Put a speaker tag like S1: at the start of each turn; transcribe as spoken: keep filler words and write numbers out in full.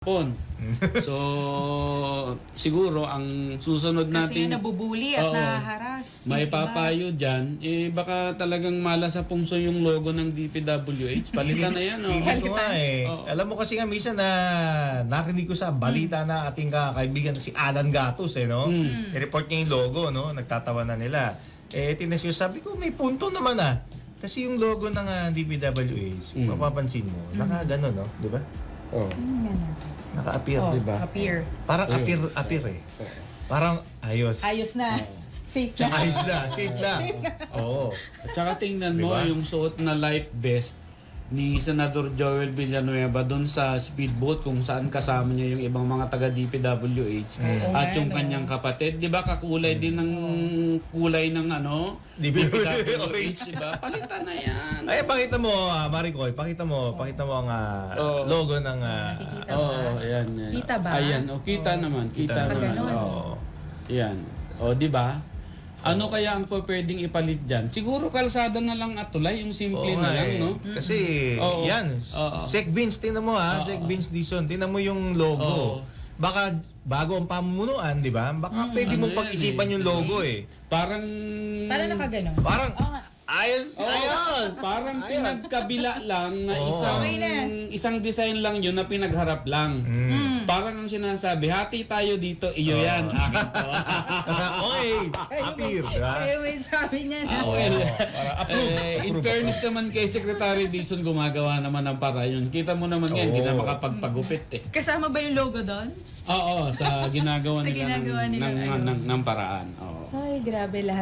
S1: Pon. So, siguro ang susunod
S2: Kasi
S1: natin,
S2: nabubuli at
S1: Oo.
S2: nahaharas.
S1: may
S2: yung iba.
S1: papayo dyan, eh baka talagang mala sa pungso yung logo ng D P W H. Palitan na yan, oh.
S3: Feeling ko nga eh.
S1: Oo.
S3: Alam mo kasi nga minsan na narinig ko sa balita na ating ka- kaibigan si Alan Gatos eh, no?
S1: Mm.
S3: I-report niya yung logo, no? Nagtatawa na nila. Eh, tinas ko, sabi ko, may punto naman ah. Kasi yung logo ng ah, D P W H,
S1: Mm.
S3: mapapansin mo, naka gano'n, no? Di ba? Oh. Naka-appear,
S2: Oh,
S3: di ba?
S2: appear.
S3: Parang
S1: Ayun.
S3: appear, appear eh. Parang ayos.
S2: Ayos na. Safe na.
S3: Ayos na, safe na. Oo.
S1: At saka tingnan mo
S3: Diba?
S1: yung suot na life vest ni Senador Joel Villanueva doon sa speedboat kung saan kasama niya yung ibang mga taga D P W H
S3: Mm.
S1: at yung
S2: Oo,
S1: kanyang kapatid. Di ba kakulay din ng kulay ng ano?
S3: D P W
S1: H, di ba? Palitan na yan.
S3: Ay, pakita mo, uh, Maricoy, pakita mo, pakita mo ang ah,
S1: Oo.
S3: logo ng... ah,
S2: Nakikita
S1: Oo,
S2: ba?
S1: ayan, yan.
S2: Kita ba?
S1: Ayan, oh, kita naman, kita,
S3: Kita
S1: naman.
S2: naman.
S1: Oo. Yan. O, di ba? Ano kaya ang po pwedeng ipalit dyan? Siguro kalsada na lang at tulay, yung simple
S3: Oo
S1: na
S3: nga
S1: lang,
S3: eh.
S1: no?
S3: Kasi,
S1: Oo.
S3: yan,
S1: Oo.
S3: Sec Vince, tingnan mo ha,
S1: Oo.
S3: Sec Vince Dizon, tingnan mo yung logo.
S1: Oo.
S3: Baka bago ang pamunuan, di ba? Baka pwede
S1: ano
S3: mong
S1: yan
S3: pag-isipan
S1: eh.
S3: yung logo eh.
S1: Parang...
S2: Para nakaganon.
S3: Parang,
S2: Oo nga.
S3: ayos,
S1: Oo,
S3: ayos!
S1: parang
S3: Ayos.
S1: pinagkabila lang na
S3: Oo.
S1: isang
S2: Okay na.
S1: isang design lang yun na pinagharap lang.
S3: Mm.
S1: Parang ang sinasabi, hati tayo dito, iyo
S3: Oo.
S1: yan, akin to.
S3: Okay, appear, di ba?
S2: Eh, may sabi niya na.
S1: Ah, well,
S3: Para approve.
S1: eh, in
S3: Approve,
S1: fairness naman kay Secretary Dizon, gumagawa naman ng para yun. Kita mo naman yan, hindi na
S3: Oo.
S1: makapagpagupit eh.
S2: Kasama ba yung logo doon?
S1: Oo, sa ginagawa
S2: Sa
S1: nila,
S2: ginagawa
S1: ng,
S2: nila,
S1: ng,
S2: ayun.
S1: ng, ng paraan. Oo.
S2: Ay, grabe lahat.